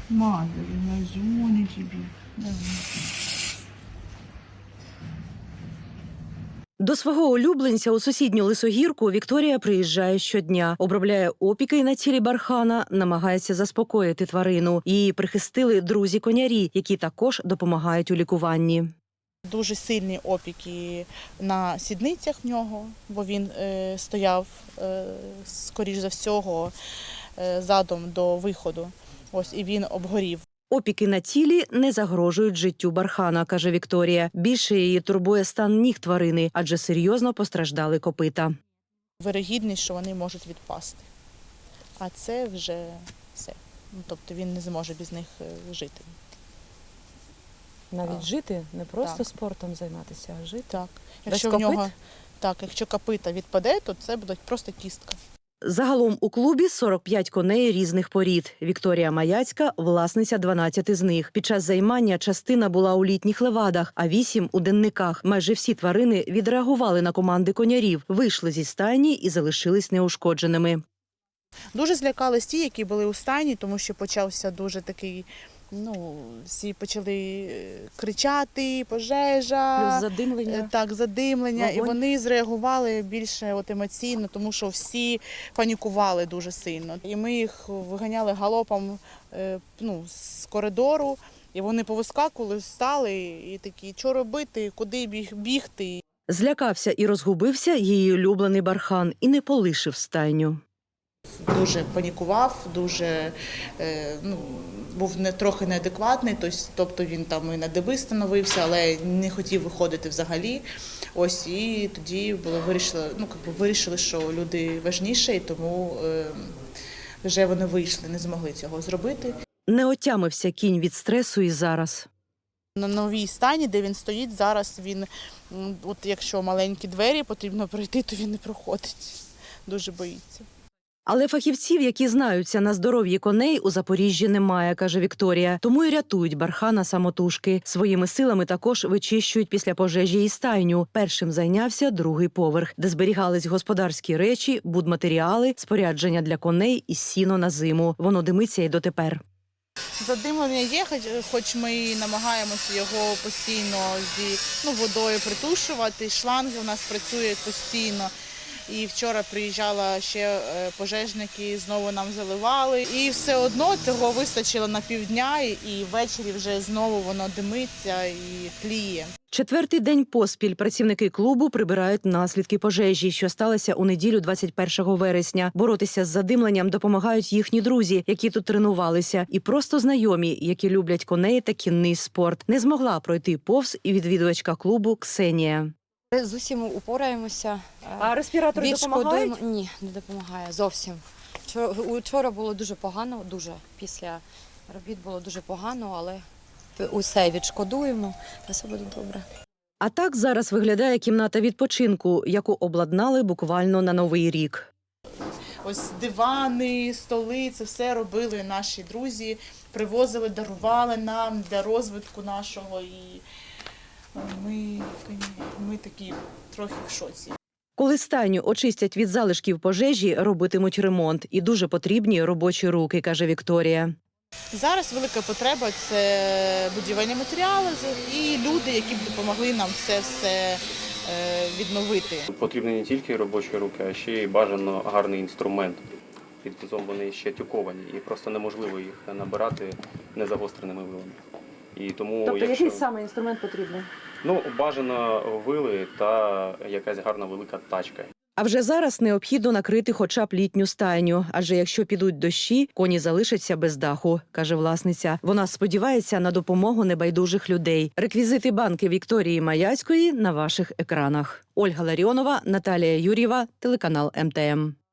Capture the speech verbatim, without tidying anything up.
Мазали, лазуни тебе. Давай. До свого улюбленця у сусідню Лисогірку Вікторія приїжджає щодня, обробляє опіки на тілі бархана, намагається заспокоїти тварину. Її прихистили друзі-конярі, які також допомагають у лікуванні. Дуже сильні опіки на сідницях в нього, бо він е, стояв, е, скоріш за всього, е, задом до виходу. Ось, і він обгорів. Опіки на тілі не загрожують життю бархана, каже Вікторія. Більше її турбує стан ніг тварини, адже серйозно постраждали копита. Вирогідність, що вони можуть відпасти. А це вже все. Ну, тобто він не зможе без них е, жити. Навіть А. жити, не просто Так. спортом займатися, а жити. Так. Без Якщо в копит? нього, так, якщо копита відпаде, то це буде просто кістка. Загалом у клубі сорок п'ять коней різних порід. Вікторія Маяцька – власниця дванадцяти з них. Під час займання частина була у літніх левадах, а вісім – у денниках. Майже всі тварини відреагували на команди конярів, вийшли зі стайні і залишились неушкодженими. Дуже злякались ті, які були у стайні, тому що почався дуже такий, ну, всі почали кричати, пожежа. Плюс задимлення. Е, Так, задимлення, і Вогонь. вони зреагували більше от емоційно, тому що всі панікували дуже сильно. І ми їх виганяли галопом е, ну, з коридору, і вони повискакували, встали і такі, що робити, куди біг, бігти. Злякався і розгубився її улюблений бархан і не полишив стайню. Дуже панікував, дуже е, ну, був не трохи неадекватний, тобто він там і на деби становився, але не хотів виходити взагалі. Ось і тоді було вирішили, ну якби вирішили, що люди важніше, і тому е, вже вони вийшли, не змогли цього зробити. Не отямився кінь від стресу і зараз. На новій стані, де він стоїть, зараз він, м, от якщо маленькі двері потрібно пройти, то він не проходить. Дуже боїться. Але фахівців, які знаються на здоров'ї коней, у Запоріжжі немає, каже Вікторія. Тому й рятують бархана самотужки. Своїми силами також вичищують після пожежі і стайню. Першим зайнявся другий поверх, де зберігались господарські речі, будматеріали, спорядження для коней і сіно на зиму. Воно димиться й дотепер. Задимлення є, хоч, хоч ми і намагаємося його постійно зі ну, водою притушувати. Шланги у нас працюють постійно. І вчора приїжджала ще е, пожежники, знову нам заливали. І все одно цього вистачило на півдня, і ввечері вже знову воно димиться і тліє. Четвертий день поспіль працівники клубу прибирають наслідки пожежі, що сталося у неділю двадцять першого вересня. Боротися з задимленням допомагають їхні друзі, які тут тренувалися, і просто знайомі, які люблять коней та кінний спорт. Не змогла пройти повз і відвідувачка клубу Ксенія. З усім упораємося. А респіратори допомагають? Відшкодуємо. Ні, не допомагає зовсім. Вчора, учора було дуже погано, дуже. Після робіт було дуже погано, але усе відшкодуємо, та все буде добре. А так зараз виглядає кімната відпочинку, яку обладнали буквально на Новий рік. Ось дивани, столи, це все робили наші друзі, привозили, дарували нам для розвитку нашого. І ми, ми такі трохи в шоці. Коли стайню очистять від залишків пожежі, робитимуть ремонт. І дуже потрібні робочі руки, каже Вікторія. Зараз велика потреба – це будівельні матеріали і люди, які б допомогли нам це все відновити. Потрібні не тільки робочі руки, а ще й бажано гарний інструмент. Під кузом вони ще тюковані і просто неможливо їх набирати незагостреними вилами. І тому, Тобто якщо... який саме інструмент потрібний? Ну, бажано вили та якась гарна велика тачка. А вже зараз необхідно накрити хоча б літню стайню, адже якщо підуть дощі, коні залишаться без даху, каже власниця. Вона сподівається на допомогу небайдужих людей. Реквізити банки Вікторії Маяцької на ваших екранах. Ольга Ларіонова, Наталія Юр'єва, телеканал Ем Те Ем.